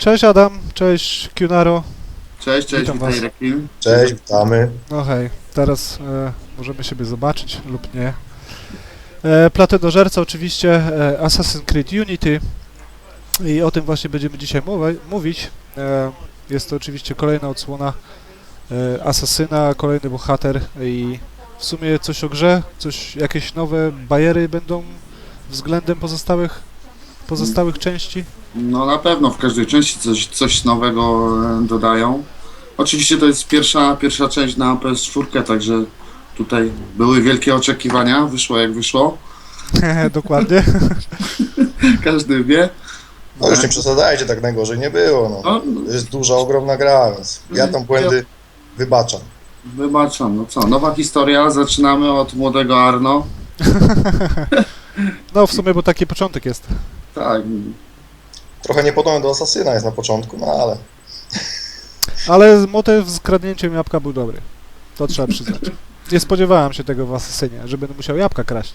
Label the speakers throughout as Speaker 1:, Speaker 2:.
Speaker 1: Cześć Adam, cześć Cunaro.
Speaker 2: Cześć,
Speaker 1: Witam was.
Speaker 2: witaj Rekin.
Speaker 3: Cześć, witamy.
Speaker 1: No hej, teraz możemy siebie zobaczyć lub nie. Platynożerca oczywiście, Assassin's Creed Unity i o tym właśnie będziemy dzisiaj mówić. Jest to oczywiście kolejna odsłona Asasyna, kolejny bohater i w sumie coś o grze, jakieś nowe bajery będą względem pozostałych części.
Speaker 2: No na pewno w każdej części coś nowego dodają. Oczywiście to jest pierwsza część na PS4, także tutaj były wielkie oczekiwania, wyszło jak wyszło.
Speaker 1: Dokładnie.
Speaker 2: Każdy wie.
Speaker 3: No już nie przesadzajcie, tak najgorzej nie było. No. To jest duża, ogromna gra, więc ja tam błędy wybaczam.
Speaker 2: Wybaczam, no co, nowa historia, zaczynamy od młodego Arno.
Speaker 1: No w sumie, bo taki początek jest.
Speaker 2: Tak,
Speaker 3: Trochę niepodobny do Asasyna jest na początku, no ale
Speaker 1: Ale motyw z kradnięciem jabłka był dobry. To trzeba przyznać. Nie spodziewałem się tego w Asasynie, że będę musiał jabłka kraść.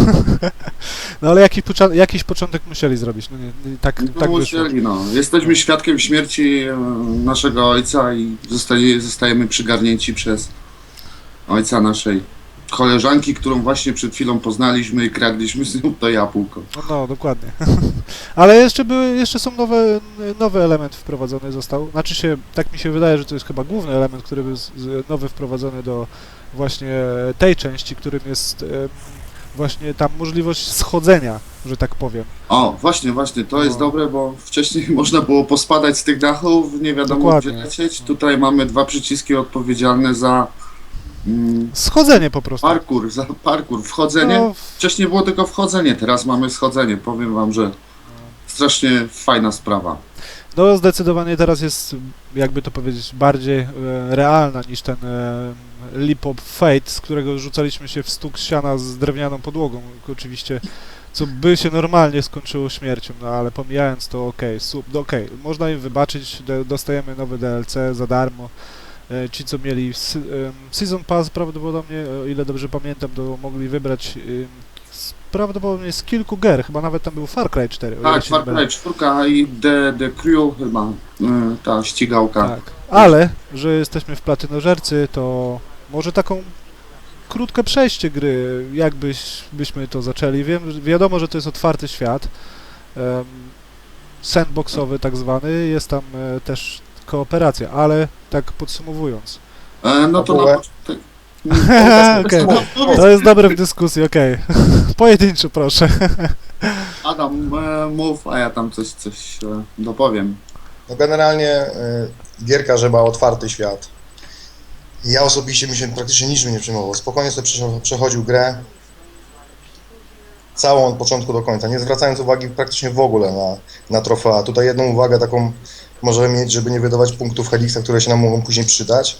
Speaker 1: No ale jakiś początek musieli zrobić. No nie, tak wyszło.
Speaker 2: musieli, no. Jesteśmy świadkiem śmierci naszego ojca i zostajemy przygarnięci przez ojca naszej koleżanki, którą właśnie przed chwilą poznaliśmy i kradliśmy z nią to jabłko.
Speaker 1: No, dokładnie. Ale jeszcze są nowy element wprowadzony został. Znaczy się, tak mi się wydaje, że to jest chyba główny element, który był nowy wprowadzony do właśnie tej części, którym jest właśnie tam możliwość schodzenia, że tak powiem.
Speaker 2: O, właśnie, to jest
Speaker 1: No.
Speaker 2: dobre, bo wcześniej można było pospadać z tych dachów, nie wiadomo
Speaker 1: Dokładnie.
Speaker 2: gdzie lecieć. Tutaj mamy dwa przyciski odpowiedzialne za
Speaker 1: Schodzenie po prostu.
Speaker 2: parkour, wchodzenie.
Speaker 1: No,
Speaker 2: Wcześniej było tylko wchodzenie, teraz mamy schodzenie. Powiem wam, że strasznie fajna sprawa.
Speaker 1: No zdecydowanie teraz jest, jakby to powiedzieć, bardziej realna niż ten Leap of Fate, z którego rzucaliśmy się w stuk siana z drewnianą podłogą, oczywiście, co by się normalnie skończyło śmiercią, no ale pomijając to okej, można im wybaczyć, dostajemy nowe DLC za darmo. Ci, co mieli Season Pass prawdopodobnie, o ile dobrze pamiętam, to mogli wybrać prawdopodobnie z kilku gier, chyba nawet tam był Far Cry 4. o ile
Speaker 2: Tak,
Speaker 1: się nie
Speaker 2: Far
Speaker 1: mylę.
Speaker 2: Cry 4 i The Crew chyba, ta ścigałka.
Speaker 1: Tak, ale, że jesteśmy w platynożercy, to może taką krótkie przejście gry, byśmy to zaczęli. Wiadomo, że to jest otwarty świat, sandboxowy tak zwany, jest tam też kooperacja, ale tak podsumowując.
Speaker 2: No to na
Speaker 3: Fabułę?
Speaker 2: początek...
Speaker 1: Okej, to jest dobre w dyskusji, okej. Pojedynczo proszę.
Speaker 2: Adam, mów, a ja tam coś dopowiem.
Speaker 3: no generalnie gierka, że ma otwarty świat. Ja osobiście mi się praktycznie niczym nie przejmował. Spokojnie sobie przechodził grę całą od początku do końca, nie zwracając uwagi praktycznie w ogóle na trofea. Tutaj jedną uwagę taką możemy mieć, żeby nie wydawać punktów Helixa, które się nam mogą później przydać.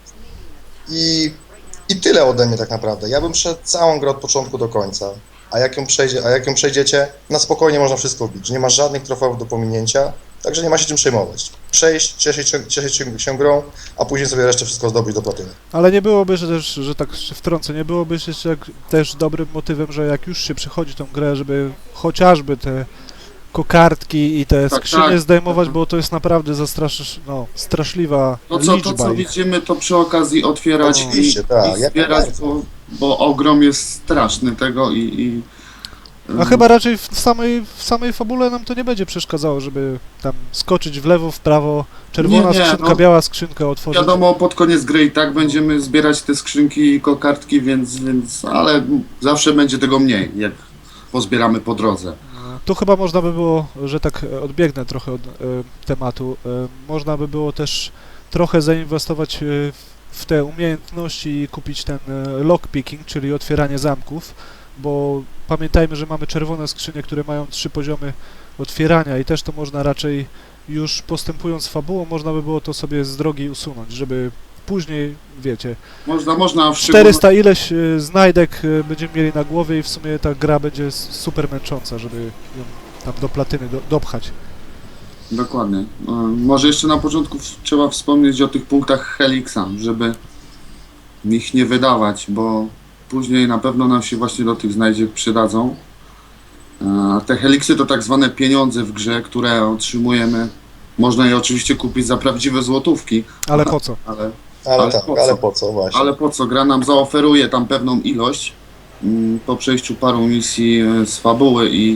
Speaker 3: I tyle ode mnie tak naprawdę. Ja bym szedł całą grę od początku do końca. A jak ją przejdziecie, na spokojnie można wszystko wbić. Nie ma żadnych trofeów do pominięcia, także nie ma się czym przejmować. Przejść, cieszyć się grą, a później sobie resztę wszystko zdobyć do platyny.
Speaker 1: Ale nie byłoby, że tak się wtrącę, nie byłoby też dobrym motywem, że jak już się przychodzi tą grę, żeby chociażby te kokardki i te
Speaker 2: Tak,
Speaker 1: skrzynie
Speaker 2: tak.
Speaker 1: zdejmować, bo to jest naprawdę straszliwa
Speaker 2: To co
Speaker 1: liczba ich.
Speaker 2: widzimy, to przy okazji otwierać
Speaker 3: Oczywiście, tak,
Speaker 2: i
Speaker 3: jak
Speaker 2: zbierać,
Speaker 3: najbardziej.
Speaker 2: bo ogrom jest straszny tego
Speaker 1: A chyba raczej w samej fabule nam to nie będzie przeszkadzało, żeby tam skoczyć w lewo, w prawo, czerwona
Speaker 2: Nie,
Speaker 1: skrzynka,
Speaker 2: no.
Speaker 1: biała skrzynka otworzyć.
Speaker 2: Wiadomo, pod koniec gry i tak będziemy zbierać te skrzynki i kokardki, ale zawsze będzie tego mniej, jak pozbieramy po drodze.
Speaker 1: Tu chyba można by było, że tak odbiegnę trochę od tematu, można by było też trochę zainwestować w te umiejętności i kupić ten lockpicking, czyli otwieranie zamków, bo pamiętajmy, że mamy czerwone skrzynie, które mają 3 poziomy otwierania i też to można raczej już postępując fabułą, można by było to sobie z drogi usunąć, żeby później, wiecie,
Speaker 2: Można w
Speaker 1: 400 ileś znajdek będziemy mieli na głowie i w sumie ta gra będzie super męcząca, żeby ją tam do platyny dopchać.
Speaker 2: Dokładnie. Może jeszcze na początku trzeba wspomnieć o tych punktach Helixa, żeby ich nie wydawać, bo później na pewno nam się właśnie do tych znajdziek przydadzą. Te Helixy to tak zwane pieniądze w grze, które otrzymujemy Można je oczywiście kupić za prawdziwe złotówki,
Speaker 1: Ale po co?
Speaker 2: ale
Speaker 3: Ale tak,
Speaker 2: po co?
Speaker 3: ale po co właśnie?
Speaker 2: Ale po co? Gra nam zaoferuje tam pewną ilość po przejściu paru misji z fabuły i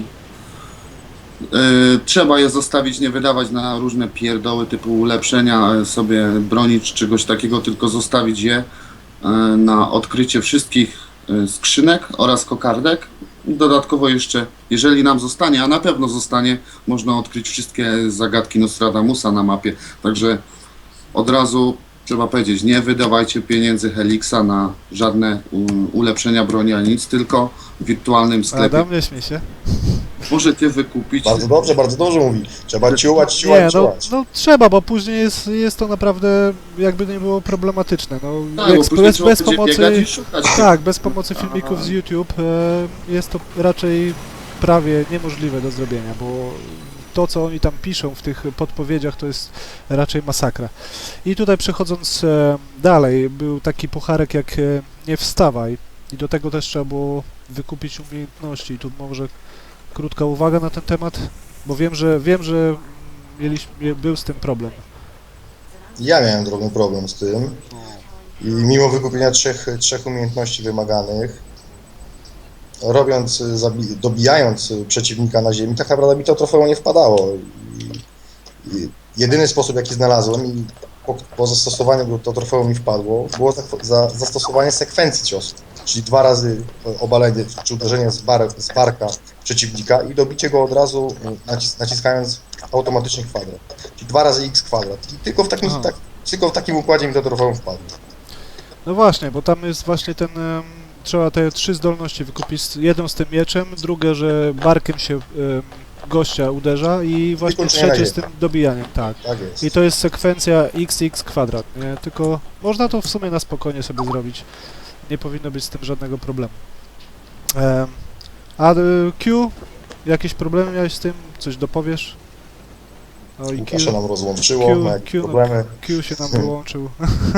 Speaker 2: trzeba je zostawić, nie wydawać na różne pierdoły typu ulepszenia sobie broni czy czegoś takiego, tylko zostawić je na odkrycie wszystkich skrzynek oraz kokardek. Dodatkowo jeszcze, jeżeli nam zostanie, a na pewno zostanie, można odkryć wszystkie zagadki Nostradamusa na mapie. Także od razu trzeba powiedzieć, nie wydawajcie pieniędzy Helixa na żadne ulepszenia broni, ani nic, tylko w wirtualnym sklepie.
Speaker 1: Adam, nie śmiej się.
Speaker 2: Możecie wykupić.
Speaker 3: Bardzo dobrze mówi. Trzeba ciułać,
Speaker 1: Nie, no,
Speaker 3: ciułać.
Speaker 1: no trzeba, bo później jest to naprawdę, jakby nie było, problematyczne. No,
Speaker 2: Tak, bo później
Speaker 1: bez
Speaker 2: trzeba będzie
Speaker 1: pomocy,
Speaker 2: biegać i szukać.
Speaker 1: tak, bez pomocy filmików z YouTube jest to raczej prawie niemożliwe do zrobienia, bo to, co oni tam piszą w tych podpowiedziach, to jest raczej masakra. I tutaj przechodząc dalej, był taki pucharek jak Nie wstawaj i do tego też trzeba było wykupić umiejętności. I tu może krótka uwaga na ten temat, bo wiem, że był z tym problem.
Speaker 3: Ja miałem drobny problem z tym. I mimo wykupienia trzech umiejętności wymaganych, dobijając przeciwnika na ziemi, tak naprawdę mi to trofeum nie wpadało. I jedyny sposób, jaki znalazłem i po zastosowaniu to trofeum mi wpadło, było zastosowanie sekwencji ciosów. Czyli 2 razy obalenie czy uderzenie z barka przeciwnika i dobicie go od razu naciskając automatycznie kwadrat. Czyli 2 razy x kwadrat. I tylko w takim układzie mi to trofeum wpadło.
Speaker 1: No właśnie, bo tam jest właśnie ten... trzeba te 3 zdolności wykupić. Jedną z tym mieczem, drugie, że barkiem się gościa uderza i właśnie
Speaker 3: Wykończenie na
Speaker 1: trzecie z
Speaker 3: ziemi.
Speaker 1: tym dobijaniem, tak.
Speaker 3: Tak jest.
Speaker 1: I to jest sekwencja xx kwadrat, nie? Tylko można to w sumie na spokojnie sobie zrobić. Nie powinno być z tym żadnego problemu. A Q? Jakieś problemy miałeś z tym? Coś dopowiesz? O i
Speaker 3: Łukasza nam rozłączyło, ma jakieś problemy.
Speaker 1: Q się nam wyłączył.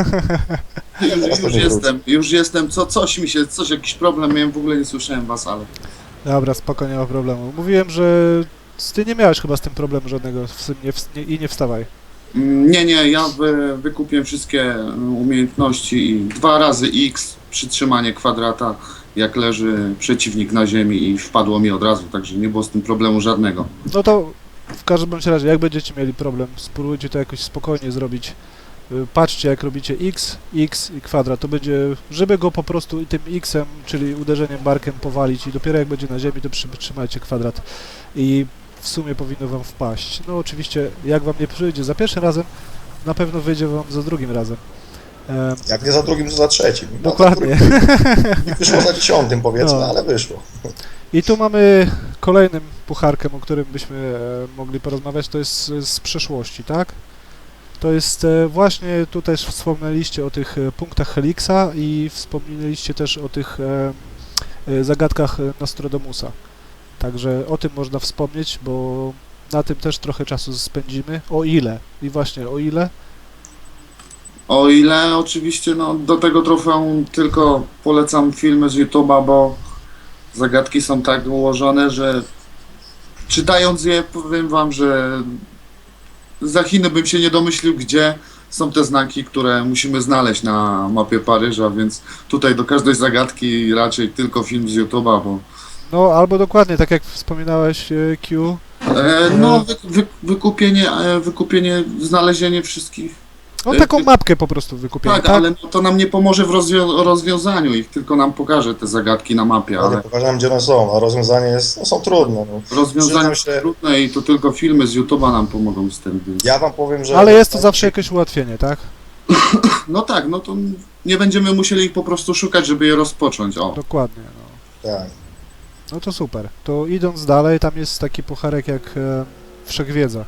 Speaker 2: Już jestem, coś, jakiś problem miałem, w ogóle nie słyszałem was, ale...
Speaker 1: Dobra, spoko, nie ma problemu. Mówiłem, że ty nie miałeś chyba z tym problemu żadnego i nie wstawaj.
Speaker 2: Nie, ja wykupiłem wszystkie umiejętności i 2 razy X, przytrzymanie kwadrata, jak leży przeciwnik na ziemi i wpadło mi od razu, także nie było z tym problemu żadnego.
Speaker 1: No to w każdym bądź razie, jak będziecie mieli problem, spróbujcie to jakoś spokojnie zrobić. Patrzcie, jak robicie x i kwadrat, to będzie, żeby go po prostu tym x-em, czyli uderzeniem barkiem powalić i dopiero jak będzie na ziemi, to przytrzymajcie kwadrat i w sumie powinno wam wpaść. No oczywiście, jak wam nie przyjdzie za pierwszym razem, na pewno wyjdzie wam za drugim razem.
Speaker 3: Jak nie za drugim, to za trzecim. No,
Speaker 1: Dokładnie.
Speaker 3: Nie wyszło za 10, powiedzmy,
Speaker 1: No.
Speaker 3: ale wyszło.
Speaker 1: I tu mamy kolejnym pucharkiem, o którym byśmy mogli porozmawiać, to jest z przeszłości, tak? To jest właśnie, tu też wspomnieliście o tych punktach Helixa i wspomnieliście też o tych zagadkach Nostradamusa. Także o tym można wspomnieć, bo na tym też trochę czasu spędzimy. O ile? I właśnie o ile?
Speaker 2: O ile oczywiście, no do tego trofeum tylko polecam filmy z YouTube'a, bo zagadki są tak ułożone, że czytając je, powiem wam, że za Chiny bym się nie domyślił, gdzie są te znaki, które musimy znaleźć na mapie Paryża, więc tutaj do każdej zagadki raczej tylko film z YouTube'a, bo
Speaker 1: No albo dokładnie, tak jak wspominałeś Q.
Speaker 2: wykupienie, znalezienie wszystkich.
Speaker 1: No taką mapkę po prostu wykupienie,
Speaker 2: Tak,
Speaker 1: tak?
Speaker 2: ale no, to nam nie pomoże w rozwiązaniu ich, tylko nam pokaże te zagadki na mapie,
Speaker 3: Ja nie
Speaker 2: ale
Speaker 3: pokażę nam, gdzie one są, a rozwiązanie jest, no, są trudne. No.
Speaker 2: rozwiązanie
Speaker 3: Przyznam
Speaker 2: jest
Speaker 3: się-
Speaker 2: trudne i to tylko filmy z YouTube'a nam pomogą z tym. Więc...
Speaker 3: Ja wam powiem, że...
Speaker 1: Ale jest to zawsze jakieś ułatwienie, tak?
Speaker 2: No tak, no to nie będziemy musieli ich po prostu szukać, żeby je rozpocząć, o.
Speaker 1: Dokładnie, no.
Speaker 3: Tak.
Speaker 1: No to super. To idąc dalej, tam jest taki pucharek jak Wszechwiedza.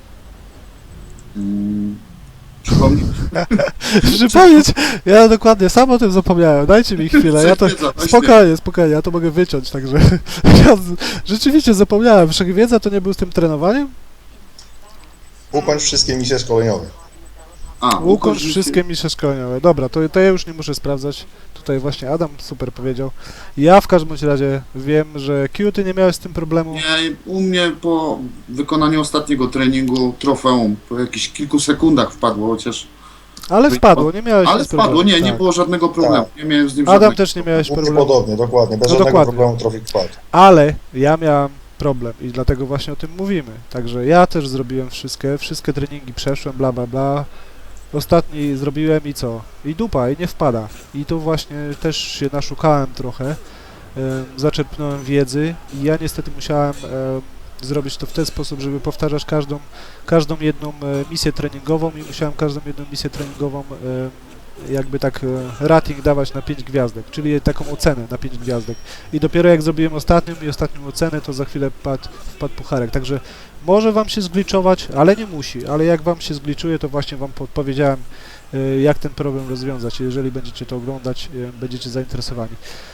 Speaker 2: Przypomnij.
Speaker 1: Przypomnieć, ja dokładnie, sam o tym zapomniałem, dajcie mi chwilę, ja to...
Speaker 2: Wszechwiedza, właśnie.
Speaker 1: Spokojnie, ja to mogę wyciąć, także... Ja rzeczywiście zapomniałem, Wszechwiedza to nie był z tym trenowaniem?
Speaker 3: Ukończ wszystkie misje szkoleniowe.
Speaker 1: Ukończ wszystkie misje szkoleniowe. Dobra, to ja już nie muszę sprawdzać. Tutaj właśnie Adam super powiedział. Ja w każdym bądź razie wiem, że Q, ty nie miałeś z tym problemu.
Speaker 2: Nie, u mnie po wykonaniu ostatniego treningu trofeum po jakichś kilku sekundach wpadło, chociaż...
Speaker 1: Ale wpadło, nie miałeś
Speaker 2: Ale
Speaker 1: z problemu.
Speaker 2: wpadło, nie
Speaker 1: Tak.
Speaker 2: było żadnego problemu. Nie miałem z nim
Speaker 1: Adam
Speaker 2: żadnego...
Speaker 1: też nie miałeś
Speaker 3: U mnie
Speaker 1: problemu.
Speaker 3: podobnie, dokładnie, bez
Speaker 1: No
Speaker 3: żadnego
Speaker 1: dokładnie.
Speaker 3: problemu trofik wpadł.
Speaker 1: Ale ja miałem problem i dlatego właśnie o tym mówimy. Także ja też zrobiłem wszystkie treningi przeszłem, bla bla bla. Ostatni zrobiłem i co? I dupa, i nie wpada. I tu właśnie też się naszukałem trochę, zaczerpnąłem wiedzy i ja niestety musiałem zrobić to w ten sposób, żeby powtarzać każdą jedną misję treningową i musiałem każdą jedną misję treningową jakby tak rating dawać na 5 gwiazdek, czyli taką ocenę na 5 gwiazdek. I dopiero jak zrobiłem ostatnią ocenę, to za chwilę wpadł pucharek. Także może wam się zgliczować, ale nie musi. Ale jak wam się zgliczuje, to właśnie wam podpowiedziałem, jak ten problem rozwiązać. Jeżeli będziecie to oglądać, będziecie zainteresowani.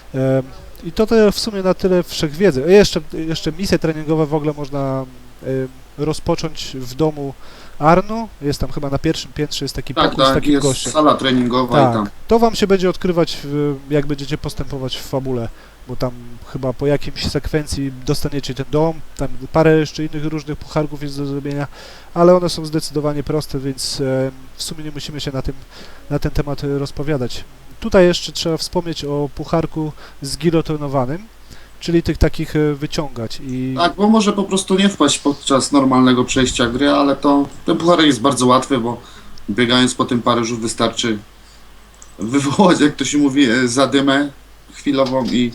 Speaker 1: I to w sumie na tyle wszechwiedzy. Jeszcze misje treningowe w ogóle można rozpocząć w domu Arnu. Jest tam chyba na pierwszym piętrze, jest taki pokój z
Speaker 2: Tak,
Speaker 1: takim
Speaker 2: jest
Speaker 1: gościem.
Speaker 2: sala treningowa i tam.
Speaker 1: Tak, to wam się będzie odkrywać, jak będziecie postępować w fabule, bo tam chyba po jakimś sekwencji dostaniecie ten dom, tam parę jeszcze innych różnych pucharków jest do zrobienia, ale one są zdecydowanie proste, więc w sumie nie musimy się na ten temat rozpowiadać. Tutaj jeszcze trzeba wspomnieć o pucharku zgilotynowanym, czyli tych takich wyciągać i...
Speaker 2: Tak, bo może po prostu nie wpaść podczas normalnego przejścia gry, ale ten pucharek jest bardzo łatwy, bo biegając po tym Paryżu wystarczy wywołać, jak to się mówi, zadymę chwilową i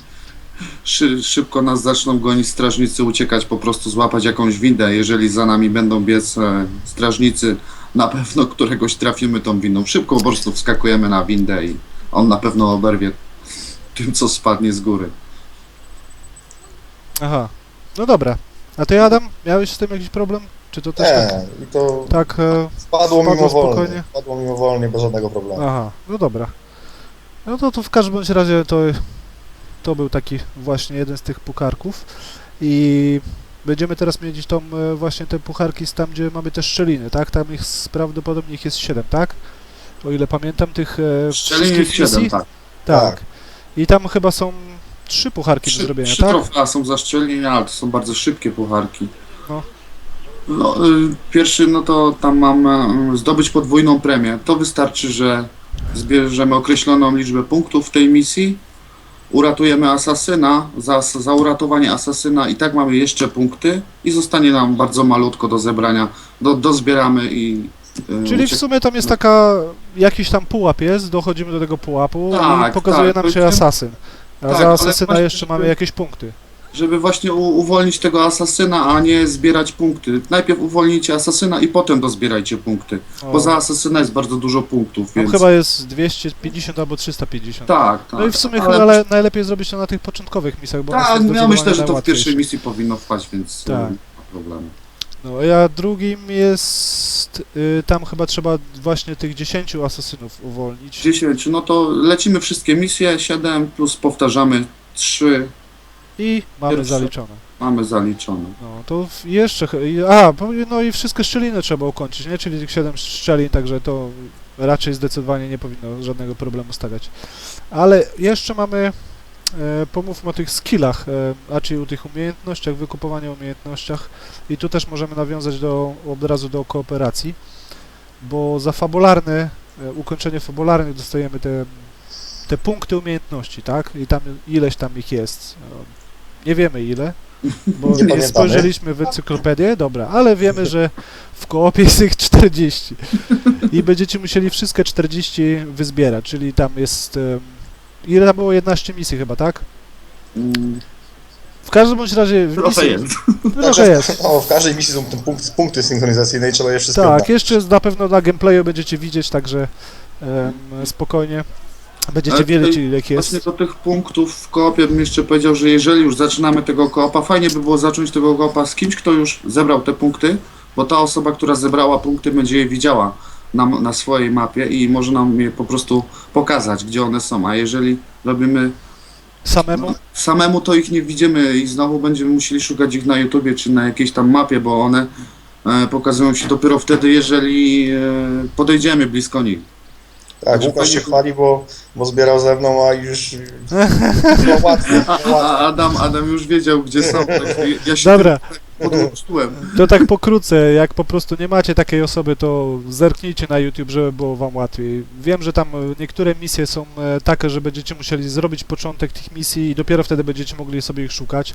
Speaker 2: szybko nas zaczną gonić strażnicy, uciekać, po prostu złapać jakąś windę. Jeżeli za nami będą biec strażnicy, na pewno któregoś trafimy tą windą. Szybko po prostu wskakujemy na windę i on na pewno oberwie tym, co spadnie z góry.
Speaker 1: Aha, no dobra. A ty, Adam, miałeś z tym jakiś problem? Czy to też
Speaker 3: Nie, i to
Speaker 1: tak
Speaker 3: wpadło
Speaker 1: spokojnie?
Speaker 3: mimowolnie. Wpadło mimowolnie, bez żadnego problemu.
Speaker 1: Aha, no dobra. No to w każdym bądź razie to był taki właśnie jeden z tych pucharków i będziemy teraz mieć właśnie te pucharki tam, gdzie mamy te szczeliny, tak? Tam prawdopodobnie ich jest 7, tak? O ile pamiętam tych
Speaker 2: Szczelin jest
Speaker 1: wszystkich
Speaker 2: 7,
Speaker 1: misji?
Speaker 2: tak.
Speaker 1: Tak. I tam chyba są 3 pucharki do zrobienia,
Speaker 2: Trzy
Speaker 1: tak?
Speaker 2: trofea są za szczelnienia, ale to są bardzo szybkie pucharki.
Speaker 1: No.
Speaker 2: No, pierwszy, no to tam mam zdobyć podwójną premię. To wystarczy, że zbierzemy określoną liczbę punktów w tej misji, uratujemy asasyna, za uratowanie asasyna i tak mamy jeszcze punkty i zostanie nam bardzo malutko do zebrania. Dozbieramy i...
Speaker 1: Czyli w sumie tam jest jakiś tam pułap jest, dochodzimy do tego pułapu
Speaker 2: Tak,
Speaker 1: i pokazuje
Speaker 2: tak,
Speaker 1: nam się
Speaker 2: to-
Speaker 1: asasyn. A
Speaker 2: tak,
Speaker 1: za
Speaker 2: ale
Speaker 1: asasyna
Speaker 2: właśnie,
Speaker 1: jeszcze mamy
Speaker 2: żeby-
Speaker 1: jakieś punkty.
Speaker 2: Żeby właśnie uwolnić tego asasyna, a nie zbierać punkty. Najpierw uwolnijcie asasyna i potem dozbierajcie punkty.
Speaker 1: O,
Speaker 2: Bo za asasyna jest bardzo dużo punktów,
Speaker 1: tam
Speaker 2: więc...
Speaker 1: chyba jest 250 albo 350.
Speaker 2: Tak, tak.
Speaker 1: No i w sumie
Speaker 2: ale...
Speaker 1: chyba najlepiej zrobić to na tych początkowych misjach, bo one są
Speaker 2: Tak, ja
Speaker 1: zdecydowanie
Speaker 2: myślę, że to w
Speaker 1: najłatwiejsze.
Speaker 2: pierwszej misji powinno wpaść, więc
Speaker 1: Tak.
Speaker 2: nie ma problemu.
Speaker 1: No a drugim jest, tam chyba trzeba właśnie tych 10 asasynów uwolnić.
Speaker 2: 10, no to lecimy wszystkie misje, 7 plus powtarzamy 3,
Speaker 1: I mamy
Speaker 2: Pierwsze.
Speaker 1: zaliczone.
Speaker 2: mamy zaliczone.
Speaker 1: No to no i wszystkie szczeliny trzeba ukończyć, nie? Czyli tych 7 szczelin, także to raczej zdecydowanie nie powinno żadnego problemu stawiać. Ale jeszcze mamy, pomówmy o tych skillach, a czyli o tych umiejętnościach, wykupowaniu umiejętnościach i tu też możemy nawiązać od razu do kooperacji, bo za ukończenie fabularnych dostajemy te punkty umiejętności, tak? I tam ileś tam ich jest. Nie wiemy ile, bo
Speaker 3: Nie
Speaker 1: nie
Speaker 3: pamiętamy.
Speaker 1: spojrzeliśmy w encyklopedię, dobra, ale wiemy, że w koopie jest ich 40 i będziecie musieli wszystkie 40 wyzbierać, czyli tam jest... Ile tam było? 11 misji chyba, tak? W każdym bądź razie w
Speaker 2: Trochę
Speaker 1: misji...
Speaker 2: jest.
Speaker 1: Trochę jest.
Speaker 3: O, w każdej misji są punkty synchronizacyjne i trzeba je wszystkie
Speaker 1: Tak,
Speaker 3: oddać.
Speaker 1: jeszcze na pewno na gameplayu będziecie widzieć, także spokojnie będziecie
Speaker 2: Ale
Speaker 1: wiedzieć
Speaker 2: tutaj
Speaker 1: ile ich jest.
Speaker 2: Właśnie do tych punktów w koopie bym jeszcze powiedział, że jeżeli już zaczynamy tego koopa, fajnie by było zacząć tego koopa z kimś, kto już zebrał te punkty, bo ta osoba, która zebrała punkty, będzie je widziała na swojej mapie i może nam je po prostu pokazać, gdzie one są, a jeżeli robimy
Speaker 1: Samemu?
Speaker 2: samemu, to ich nie widzimy i znowu będziemy musieli szukać ich na YouTubie czy na jakiejś tam mapie, bo one pokazują się dopiero wtedy, jeżeli podejdziemy blisko nich.
Speaker 3: Tak,
Speaker 2: Znaczy,
Speaker 3: Łukasz się
Speaker 2: fajnie-
Speaker 3: chwali, bo zbierał ze mną, a już było łatwo.
Speaker 2: A Adam już wiedział, gdzie są. Tak, ja się
Speaker 1: Dobra,
Speaker 2: podłączyłem.
Speaker 1: to tak pokrótce, jak po prostu nie macie takiej osoby, to zerknijcie na YouTube, żeby było wam łatwiej. Wiem, że tam niektóre misje są takie, że będziecie musieli zrobić początek tych misji i dopiero wtedy będziecie mogli sobie ich szukać,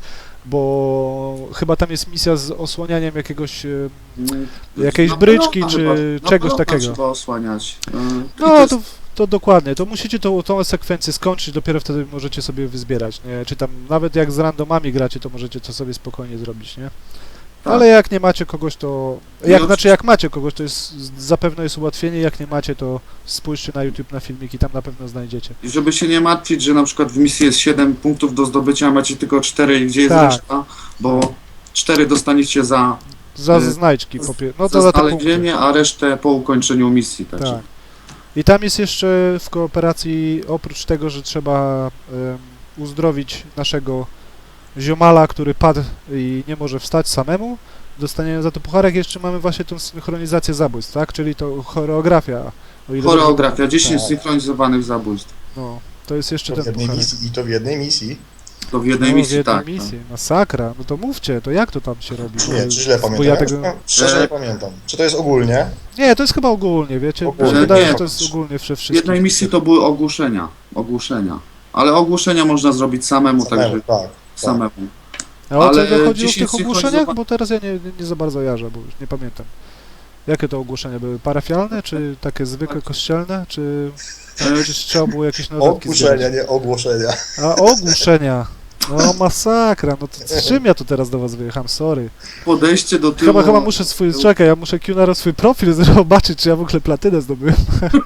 Speaker 1: bo chyba tam jest misja z osłanianiem jakiegoś, jakiejś
Speaker 2: Na
Speaker 1: bryczki
Speaker 2: pelota
Speaker 1: czy
Speaker 2: chyba,
Speaker 1: czegoś
Speaker 2: na pelota
Speaker 1: takiego.
Speaker 2: trzeba osłaniać. I
Speaker 1: No
Speaker 2: jest-
Speaker 1: to dokładnie, to musicie tą sekwencję skończyć, dopiero wtedy możecie sobie wyzbierać, nie? Czy tam nawet jak z randomami gracie, to możecie to sobie spokojnie zrobić, nie?
Speaker 2: Tak.
Speaker 1: Ale jak nie macie kogoś, to...
Speaker 2: No,
Speaker 1: Znaczy jak macie kogoś, to jest zapewne jest ułatwienie, jak nie macie, to spójrzcie na YouTube na filmiki, tam na pewno znajdziecie.
Speaker 2: I żeby się nie martwić, że na przykład w misji jest 7 punktów do zdobycia, a macie tylko 4 i gdzie jest
Speaker 1: Tak.
Speaker 2: reszta, bo 4 dostaniecie za
Speaker 1: Za
Speaker 2: Y,
Speaker 1: znajdźki, no to
Speaker 2: za
Speaker 1: za te punkty.
Speaker 2: znalezienie, a resztę po ukończeniu misji. Także.
Speaker 1: Tak. I tam jest jeszcze w kooperacji, oprócz tego, że trzeba uzdrowić naszego ziomala, który padł i nie może wstać samemu, dostaniemy za to pucharek, jeszcze mamy właśnie tą synchronizację zabójstw, tak? Czyli to choreografia. O ile dobrze
Speaker 2: Choreografia, 10
Speaker 1: Tak.
Speaker 2: synchronizowanych zabójstw.
Speaker 1: No, to jest jeszcze
Speaker 3: To w
Speaker 1: ten
Speaker 3: jednej
Speaker 1: pucharek.
Speaker 3: misji, i to w jednej misji.
Speaker 2: To w jednej
Speaker 1: No,
Speaker 2: misji,
Speaker 1: w jednej
Speaker 2: tak.
Speaker 1: misji. Masakra. No to mówcie, to jak to tam się robi?
Speaker 3: Nie, czy źle
Speaker 1: Bo
Speaker 3: pamiętam?
Speaker 1: ja
Speaker 3: Ja
Speaker 1: tego...
Speaker 3: Szczerze nie pamiętam. Czy to jest ogólnie?
Speaker 1: Nie, to jest chyba ogólnie, wiecie?
Speaker 3: Ogólnie,
Speaker 1: Mi się wydaje,
Speaker 2: nie.
Speaker 1: że to jest ogólnie we
Speaker 2: W
Speaker 1: wszystkich.
Speaker 2: jednej misji to były ogłuszenia. Ale ogłuszenia można zrobić samemu, także
Speaker 3: Tak.
Speaker 2: samemu.
Speaker 1: A o co
Speaker 2: ale
Speaker 1: chodzi w
Speaker 2: 10
Speaker 1: tych ogłoszeniach?
Speaker 2: synchronizowa-
Speaker 1: Bo teraz ja nie za bardzo jarzę, bo już nie pamiętam. Jakie to ogłoszenia były? Parafialne, czy takie zwykłe kościelne, czy gdzieś trzeba było jakieś notatki
Speaker 3: Ogłuszenia,
Speaker 1: zbierać?
Speaker 3: nie ogłoszenia.
Speaker 1: A ogłuszenia! No masakra, no to z czym ja tu teraz do was wyjechałem? Sorry.
Speaker 2: Podejście do tyłu...
Speaker 1: Chyba muszę czekaj, ja muszę Qnaro swój profil zobaczyć, czy ja w ogóle platynę zdobyłem.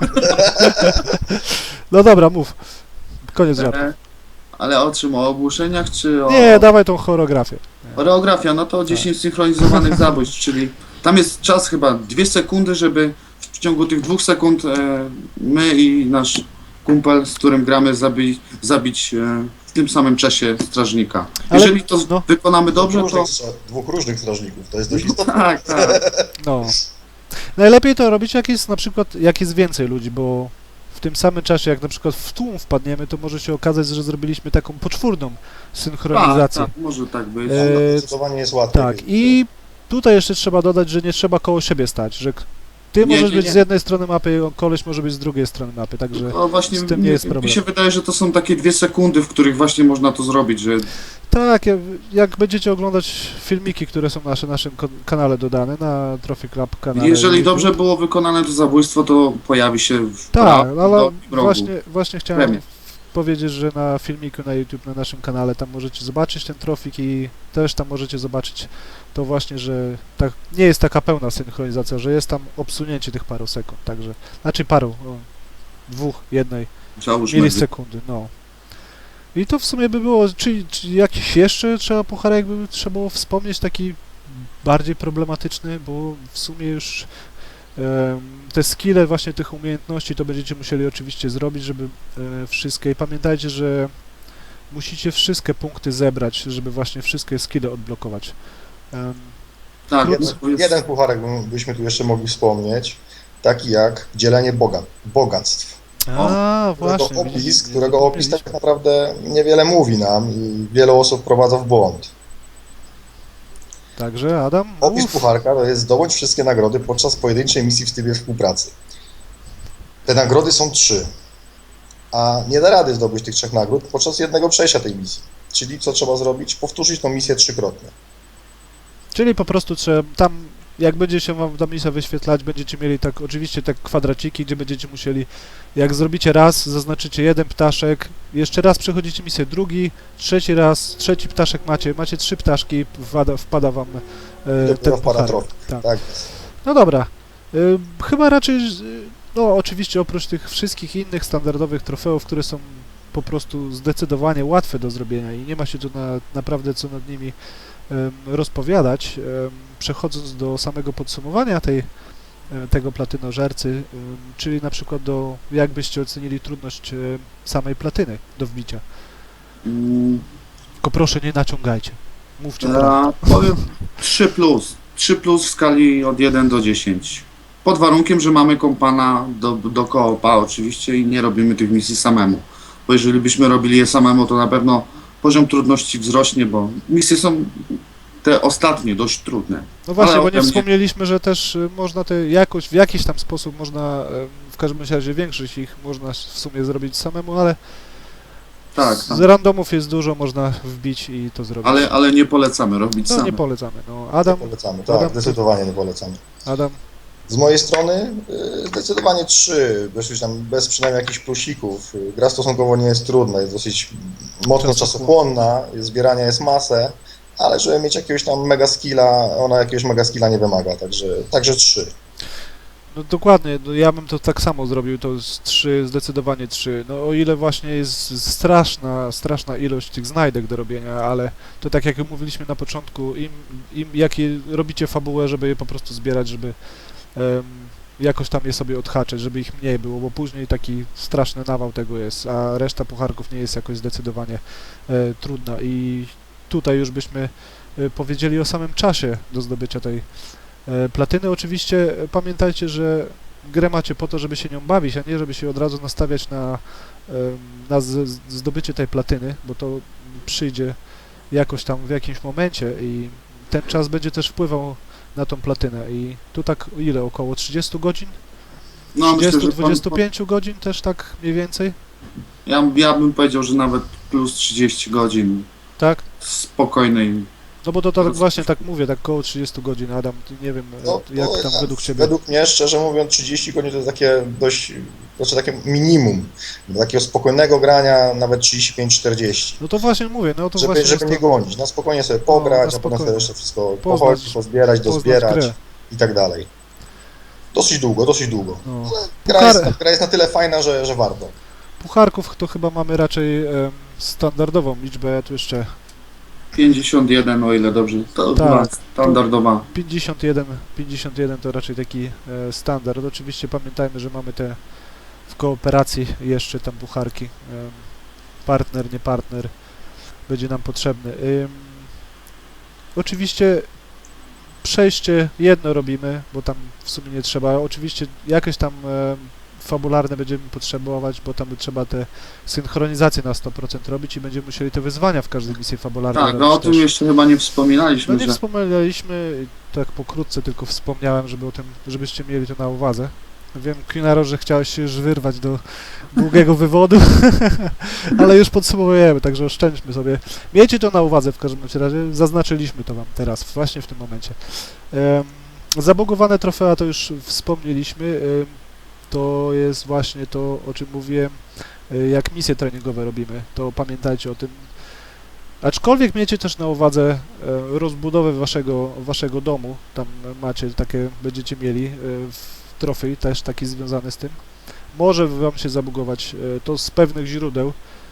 Speaker 1: No dobra, mów. Koniec żartu.
Speaker 2: Ale o czym? O ogłuszeniach, czy o...
Speaker 1: Nie, dawaj tą choreografię.
Speaker 2: Choreografia, no to 10 synchronizowanych zabójstw, czyli tam jest czas chyba 2 sekundy, żeby w ciągu tych 2 sekund my i nasz kumpel, z którym gramy, zabić w tym samym czasie strażnika.
Speaker 1: Ale-
Speaker 2: Jeżeli to
Speaker 1: no.
Speaker 2: wykonamy dobrze, to...
Speaker 3: Dwóch różnych strażników, to jest dość istotne.
Speaker 2: Tak, tak.
Speaker 1: No. Najlepiej to robić, jak jest na przykład, jak jest więcej ludzi, bo w tym samym czasie, jak na przykład w tłum wpadniemy, to może się okazać, że zrobiliśmy taką poczwórną synchronizację.
Speaker 2: Tak, może tak być.
Speaker 3: Zdecydowanie jest łatwiej.
Speaker 1: Tak, i tutaj jeszcze trzeba dodać, że nie trzeba koło siebie stać, że ty
Speaker 2: Nie,
Speaker 1: możesz
Speaker 2: nie,
Speaker 1: być
Speaker 2: nie.
Speaker 1: z jednej strony mapy, a koleś może być z drugiej strony mapy, także
Speaker 2: No właśnie,
Speaker 1: z tym nie jest
Speaker 2: mi
Speaker 1: problem.
Speaker 2: się wydaje, że to są takie 2 sekundy, w których właśnie można to zrobić, że
Speaker 1: tak, jak będziecie oglądać filmiki, które są na naszym kanale dodane, na Trophy Club kanale
Speaker 2: jeżeli
Speaker 1: YouTube.
Speaker 2: dobrze było wykonane to zabójstwo, to pojawi się w
Speaker 1: Tak,
Speaker 2: prawo,
Speaker 1: ale
Speaker 2: do rogu.
Speaker 1: właśnie chciałem
Speaker 2: Premię.
Speaker 1: powiedzieć, że na filmiku na YouTube, na naszym kanale, tam możecie zobaczyć ten trofik i też tam możecie zobaczyć to właśnie, że tak, nie jest taka pełna synchronizacja, że jest tam obsunięcie tych paru sekund, także, znaczy paru, jednej
Speaker 2: Załóżmy,
Speaker 1: milisekundy, no. I to w sumie by było, czy jakiś jeszcze pucharek by trzeba było wspomnieć, taki bardziej problematyczny, bo w sumie już te skille właśnie tych umiejętności to będziecie musieli oczywiście zrobić, żeby wszystkie, i pamiętajcie, że musicie wszystkie punkty zebrać, żeby właśnie wszystkie skille odblokować.
Speaker 2: tak,
Speaker 1: Plus-
Speaker 2: to jest,
Speaker 3: Jeden pucharek byśmy tu jeszcze mogli wspomnieć, taki jak dzielenie bogactw.
Speaker 1: Właśnie.
Speaker 3: Którego opis tak naprawdę niewiele mówi nam i wiele osób wprowadza w błąd.
Speaker 1: Także Adam,
Speaker 3: Opis
Speaker 1: mów.
Speaker 3: pucharka to jest zdobądź wszystkie nagrody podczas pojedynczej misji w trybie współpracy. Te nagrody są 3, a nie da rady zdobyć tych 3 nagród podczas jednego przejścia tej misji. Czyli co trzeba zrobić? Powtórzyć tą misję 3-krotnie.
Speaker 1: Czyli po prostu trzeba tam, jak będzie się wam ta misja wyświetlać, będziecie mieli tak, oczywiście tak kwadraciki, gdzie będziecie musieli, jak zrobicie raz, zaznaczycie jeden ptaszek, jeszcze raz przechodzicie misję drugi, trzeci raz, trzeci ptaszek macie 3 ptaszki, wpada wam ten
Speaker 3: Dopiero wpada
Speaker 1: pucharek.
Speaker 3: trofej.
Speaker 1: Tak.
Speaker 3: Tak.
Speaker 1: No dobra, chyba raczej, no oczywiście oprócz tych wszystkich innych standardowych trofeów, które są po prostu zdecydowanie łatwe do zrobienia i nie ma się tu naprawdę co nad nimi rozpowiadać, przechodząc do samego podsumowania tego platynożercy, czyli na przykład jak byście ocenili trudność samej platyny do wbicia.
Speaker 2: mm,
Speaker 1: Tylko proszę nie naciągajcie. Mówcie prawdę.
Speaker 2: powiem 3+. 3 plus w skali od 1 do 10. Pod warunkiem, że mamy kompana do koopa oczywiście i nie robimy tych misji samemu. Bo jeżeli byśmy robili je samemu, to na pewno poziom trudności wzrośnie, bo misje są te ostatnie dość trudne.
Speaker 1: No właśnie,
Speaker 2: Ale
Speaker 1: bo
Speaker 2: ode
Speaker 1: nie
Speaker 2: mnie-
Speaker 1: wspomnieliśmy, że też można te jakoś, w jakiś tam sposób można, w każdym razie większość ich można w sumie zrobić samemu, ale
Speaker 2: Tak,
Speaker 1: z
Speaker 2: tak.
Speaker 1: randomów jest dużo, można wbić i to zrobić.
Speaker 2: Ale nie polecamy robić
Speaker 1: No nie
Speaker 2: same.
Speaker 1: polecamy. No,
Speaker 3: Nie
Speaker 1: Adam,
Speaker 3: polecamy,
Speaker 1: Adam,
Speaker 3: tak, zdecydowanie nie polecamy.
Speaker 1: Adam,
Speaker 3: Z mojej strony zdecydowanie 3, już tam bez przynajmniej jakichś plusików. Gra stosunkowo nie jest trudna, jest dosyć mocno czasochłonna, zbierania jest masę, ale żeby mieć jakiegoś tam mega skilla, ona jakiegoś mega skilla nie wymaga, także 3.
Speaker 1: no dokładnie, no ja bym to tak samo zrobił, to jest 3, zdecydowanie 3. No o ile właśnie jest straszna ilość tych znajdek do robienia, ale to tak jak mówiliśmy na początku, jakie robicie fabułę, żeby je po prostu zbierać, żeby jakoś tam je sobie odhaczyć, żeby ich mniej było, bo później taki straszny nawał tego jest, a reszta pucharków nie jest jakoś zdecydowanie trudna i tutaj już byśmy powiedzieli o samym czasie do zdobycia tej platyny. Oczywiście pamiętajcie, że grę macie po to, żeby się nią bawić, a nie żeby się od razu nastawiać na zdobycie tej platyny, bo to przyjdzie jakoś tam w jakimś momencie i ten czas będzie też wpływał na tą platynę i tu tak ile? Około 30 godzin?
Speaker 2: No, myślę, że
Speaker 1: 30-25 godzin też tak mniej więcej?
Speaker 2: ja bym powiedział, że nawet plus 30 godzin
Speaker 1: Tak?
Speaker 2: spokojnej.
Speaker 1: No bo to tak właśnie tak mówię, tak około 30 godzin. Adam, ty nie wiem jak tam według Ciebie.
Speaker 3: Według mnie, szczerze mówiąc, 30 godzin to jest takie dość, znaczy takie minimum. Do takiego spokojnego grania nawet 35-40.
Speaker 1: No to właśnie mówię, no to
Speaker 3: Żeby
Speaker 1: właśnie jest
Speaker 3: nie
Speaker 1: to,
Speaker 3: gonić, na spokojnie sobie
Speaker 1: na
Speaker 3: pograć, a potem
Speaker 1: spokojnie.
Speaker 3: sobie jeszcze wszystko
Speaker 1: Poznać-
Speaker 3: pochodzić, pozbierać,
Speaker 1: poznać
Speaker 3: dozbierać
Speaker 1: grę.
Speaker 3: i tak dalej. Dosyć długo.
Speaker 1: No.
Speaker 3: Gra jest na tyle fajna, że warto.
Speaker 1: Pucharków to chyba mamy raczej standardową liczbę, ja tu jeszcze
Speaker 2: 51, o ile dobrze. To
Speaker 1: Tak.
Speaker 2: była standardowa.
Speaker 1: 51 to raczej taki standard. Oczywiście pamiętajmy, że mamy te w kooperacji jeszcze tam pucharki. Partner, nie partner będzie nam potrzebny. Oczywiście przejście jedno robimy, bo tam w sumie nie trzeba. Oczywiście jakieś tam fabularne będziemy potrzebować, bo tam trzeba te synchronizacje na 100% robić i będziemy musieli te wyzwania w każdej misji fabularnej
Speaker 2: Tak,
Speaker 1: robić
Speaker 2: no o tym
Speaker 1: też.
Speaker 2: jeszcze chyba nie wspominaliśmy,
Speaker 1: No nie
Speaker 2: że
Speaker 1: wspomnieliśmy, tak pokrótce tylko wspomniałem, żeby o tym, żebyście mieli to na uwadze. Wiem, Quinaro, że chciałeś się już wyrwać do długiego wywodu, ale już podsumowujemy, także oszczędźmy sobie. Miejcie to na uwadze w każdym razie, zaznaczyliśmy to Wam teraz, właśnie w tym momencie. Zabugowane trofea to już wspomnieliśmy, to jest właśnie to, o czym mówiłem, jak misje treningowe robimy, to pamiętajcie o tym. Aczkolwiek miejcie też na uwadze rozbudowę waszego domu, tam macie takie, będziecie mieli trofej też taki związany z tym. Może wam się zabugować to z pewnych źródeł.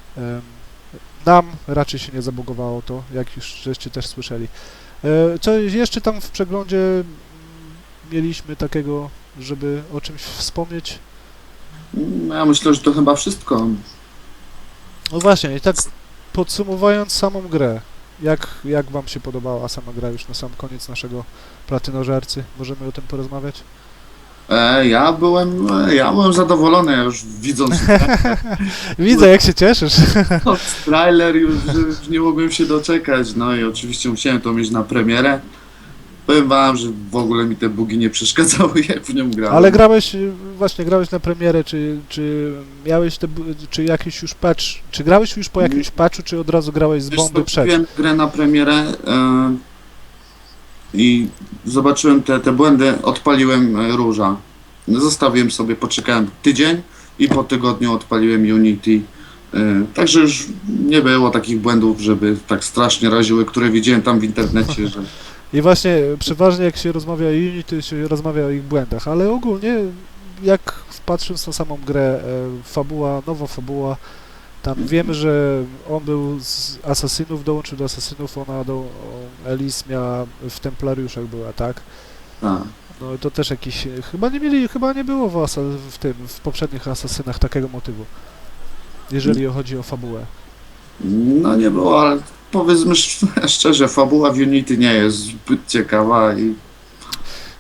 Speaker 1: Nam raczej się nie zabugowało to, jak już żeście też słyszeli. Co jeszcze tam w przeglądzie mieliśmy takiego, żeby o czymś wspomnieć?
Speaker 2: ja myślę, że to chyba wszystko.
Speaker 1: No właśnie, i tak podsumowując samą grę, jak wam się podobała sama gra już na sam koniec naszego platynożercy? Możemy o tym porozmawiać?
Speaker 2: Ja byłem zadowolony, ja już widząc
Speaker 1: Widzę, jak się cieszysz.
Speaker 2: trailer, już nie mogłem się doczekać. No i oczywiście musiałem to mieć na premierę. Powiem wam, że w ogóle mi te bugi nie przeszkadzały, jak w nią grałem.
Speaker 1: Ale grałeś na premierę, czy miałeś czy jakiś już patch, czy grałeś już po jakimś patchu, czy od razu grałeś z
Speaker 2: Wiesz
Speaker 1: bomby
Speaker 2: co,
Speaker 1: przed?
Speaker 2: kupiłem grę na premierę i zobaczyłem te błędy, odpaliłem róża. Zostawiłem sobie, poczekałem tydzień i po tygodniu odpaliłem Unity. Także już nie było takich błędów, żeby tak strasznie raziły, które widziałem tam w internecie, że
Speaker 1: I właśnie przeważnie jak się rozmawia o Unity, się rozmawia o ich błędach, ale ogólnie jak patrząc na samą grę, nowa fabuła, tam wiemy, że on był z asasynów, dołączył do asasynów, Elise miała w Templariuszach była, tak?
Speaker 2: tak.
Speaker 1: No i to też jakiś, chyba nie było w poprzednich asasynach takiego motywu, jeżeli chodzi o fabułę.
Speaker 2: No nie było, ale powiedzmy szczerze, fabuła w Unity nie jest zbyt ciekawa i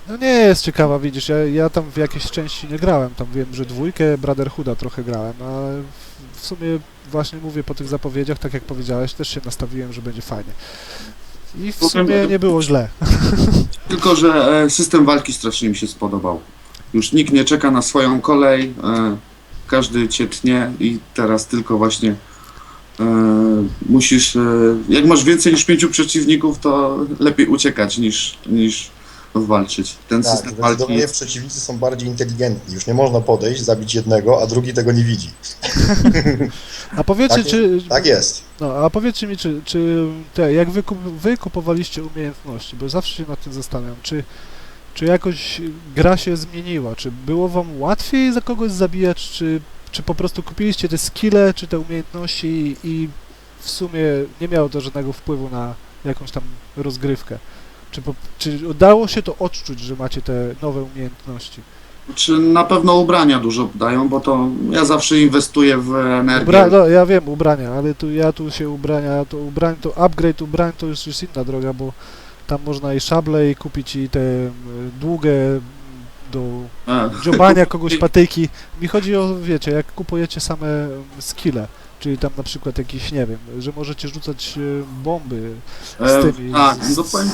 Speaker 1: No nie jest ciekawa, widzisz, ja tam w jakiejś części nie grałem, tam wiem, że dwójkę Brotherhooda trochę grałem, a w sumie właśnie mówię po tych zapowiedziach, tak jak powiedziałeś, też się nastawiłem, że będzie fajnie. I w sumie nie było źle.
Speaker 2: Tylko, że system walki strasznie mi się spodobał. Już nikt nie czeka na swoją kolej, każdy cię tnie i teraz tylko właśnie musisz, jak masz więcej niż 5 przeciwników, to lepiej uciekać niż walczyć. Ten
Speaker 3: Tak,
Speaker 2: system walki
Speaker 3: zdecydowanie przeciwnicy są bardziej inteligentni. Już nie można podejść, zabić jednego, a drugi tego nie widzi.
Speaker 1: A powiedzcie,
Speaker 3: Tak,
Speaker 1: czy...
Speaker 3: tak jest.
Speaker 1: No, a powiedzcie mi, czy jak wy kupowaliście umiejętności, bo zawsze się nad tym zastanawiam, czy jakoś gra się zmieniła, czy było wam łatwiej za kogoś zabijać, czy po prostu kupiliście te skille, czy te umiejętności i w sumie nie miało to żadnego wpływu na jakąś tam rozgrywkę? Czy udało się to odczuć, że macie te nowe umiejętności?
Speaker 2: Czy na pewno ubrania dużo dają, bo to ja zawsze inwestuję w energię.
Speaker 1: No, ja wiem, ubrania, ale ja tu się to upgrade ubrań to już jest inna droga, bo tam można i szable, i kupić i te długie do dziobania kogoś patyki. Mi chodzi o, wiecie, jak kupujecie same skille, czyli tam na przykład jakiś, nie wiem, że możecie rzucać bomby z tymi,
Speaker 2: tak,
Speaker 1: z,
Speaker 2: no powiem-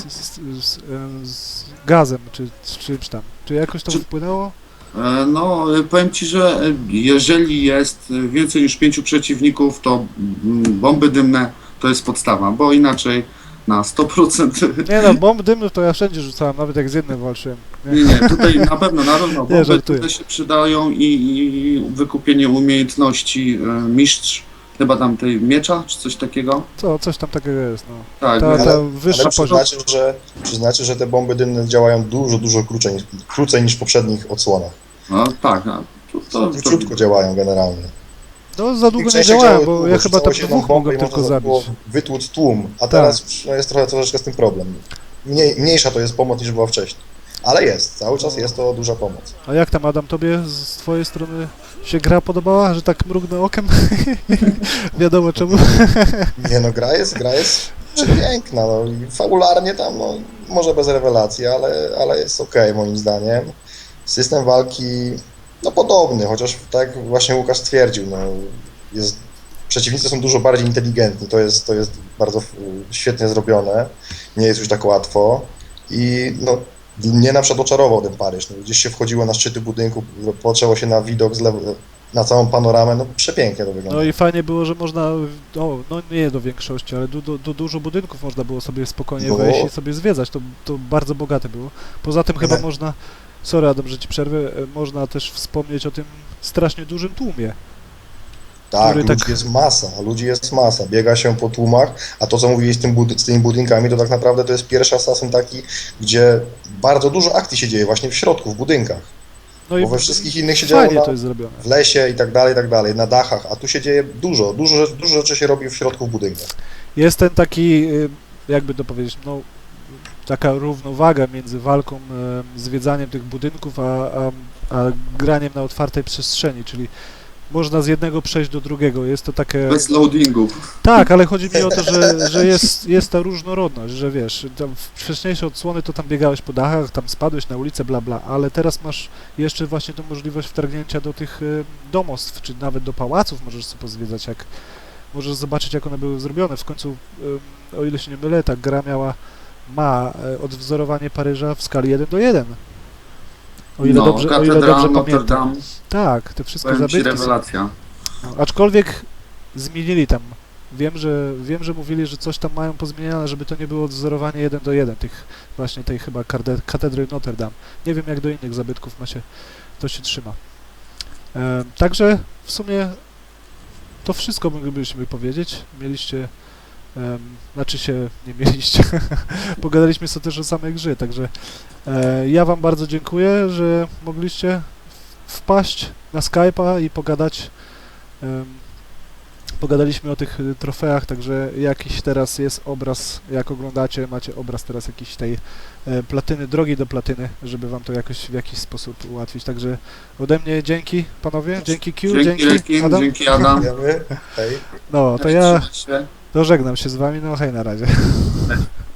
Speaker 1: z gazem, czy z czymś tam. Czy jakoś to
Speaker 2: Czy-
Speaker 1: wpłynęło?
Speaker 2: No, powiem Ci, że jeżeli jest więcej niż 5 przeciwników, to bomby dymne to jest podstawa, bo inaczej na 100%.
Speaker 1: Nie no, bomb dymnych to ja wszędzie rzucałem, nawet jak z jednym walczyłem.
Speaker 2: Nie, tutaj na pewno bomby
Speaker 1: żartuję.
Speaker 2: tutaj się przydają i wykupienie umiejętności mistrz, chyba tam tej miecza, czy coś takiego.
Speaker 1: Coś tam takiego jest, no.
Speaker 2: Tak,
Speaker 1: Ta wyższa
Speaker 3: Ale
Speaker 1: poziom.
Speaker 3: przyznacie, że te bomby dymne działają dużo krócej niż w poprzednich odsłonach.
Speaker 2: no, tak, no, to
Speaker 3: Króciutko działają generalnie.
Speaker 1: No za długo nie
Speaker 3: Częściej
Speaker 1: działałem,
Speaker 3: działały
Speaker 1: bo
Speaker 3: długo,
Speaker 1: ja chyba tam
Speaker 3: rzucało się
Speaker 1: dwóch
Speaker 3: bombę
Speaker 1: mogłem
Speaker 3: i
Speaker 1: tylko
Speaker 3: można było
Speaker 1: zabić.
Speaker 3: wytłuc tłum, a teraz już, no, jest troszeczkę z tym problem. Mniejsza to jest pomoc niż była wcześniej. Ale jest, cały czas jest to duża pomoc.
Speaker 1: A jak tam, Adam, tobie z twojej strony się gra podobała, że tak mrugnę okiem? Wiadomo czemu.
Speaker 3: Nie no, gra jest przepiękna, no i fabularnie tam, no, może bez rewelacji, ale jest okej, moim zdaniem. System walki, no podobny, chociaż tak jak właśnie Łukasz stwierdził, no przeciwnicy są dużo bardziej inteligentni, to jest bardzo świetnie zrobione, nie jest już tak łatwo i no mnie na przykład oczarował ten Paryż, no, gdzieś się wchodziło na szczyty budynku, patrzyło się na widok na całą panoramę, no przepięknie to wygląda.
Speaker 1: No i fajnie było, że można, no nie do większości, ale do dużo budynków można było sobie spokojnie
Speaker 3: No.
Speaker 1: wejść i sobie zwiedzać, to bardzo bogate było. Poza tym chyba
Speaker 3: Tak.
Speaker 1: można, sorry Adam, że ci przerwę, można też wspomnieć o tym strasznie dużym tłumie.
Speaker 3: Tak,
Speaker 1: który
Speaker 3: ludzi jest masa, biega się po tłumach, a to co mówiłeś z tymi budynkami, to tak naprawdę to jest pierwszy Assassin taki, gdzie bardzo dużo akcji się dzieje właśnie w środku, w budynkach,
Speaker 1: No
Speaker 3: bo we wszystkich innych się działo
Speaker 1: fajnie
Speaker 3: na,
Speaker 1: to jest zrobione.
Speaker 3: w lesie i tak dalej, na dachach, a tu się dzieje dużo rzeczy się robi w środku w budynkach.
Speaker 1: Jest ten taki, jakby to powiedzieć, no taka równowaga między walką, zwiedzaniem tych budynków, a graniem na otwartej przestrzeni, czyli można z jednego przejść do drugiego. Jest to takie...
Speaker 2: bez loadingu.
Speaker 1: Tak, ale chodzi mi o to, że jest ta różnorodność, że wiesz, tam w wcześniejsze odsłony to tam biegałeś po dachach, tam spadłeś na ulicę, bla bla, ale teraz masz jeszcze właśnie tą możliwość wtargnięcia do tych domostw, czy nawet do pałaców możesz sobie pozwiedzać, możesz zobaczyć, jak one były zrobione. W końcu, o ile się nie mylę, ta gra ma odwzorowanie Paryża w skali 1:1. O ile dobrze
Speaker 2: Notre
Speaker 1: pamiętam.
Speaker 2: Dame,
Speaker 1: Tak, te wszystkie
Speaker 2: powiem Ci,
Speaker 1: zabytki są.
Speaker 2: rewelacja.
Speaker 1: No, aczkolwiek zmienili tam. Wiem, że mówili, że coś tam mają pozmieniane, żeby to nie było odwzorowanie 1:1 tej chyba katedry Notre Dame. Nie wiem, jak do innych zabytków to się trzyma. Także w sumie to wszystko moglibyśmy powiedzieć. Mieliście, znaczy się nie mieliście. Pogadaliśmy sobie też o samej grze, także ja wam bardzo dziękuję, że mogliście wpaść na Skype'a i pogadać. Pogadaliśmy o tych trofeach, także jakiś teraz jest obraz, jak oglądacie, macie obraz teraz jakiejś tej platyny, drogi do platyny, żeby wam to jakoś w jakiś sposób ułatwić. Także ode mnie dzięki panowie, dzięki Q,
Speaker 2: Dzięki Rekin,
Speaker 1: Adam.
Speaker 2: dzięki Adam.
Speaker 3: Wiemy? Hej.
Speaker 1: No, to ja
Speaker 2: Trzymaj się.
Speaker 1: dożegnam się z wami, no hej na razie.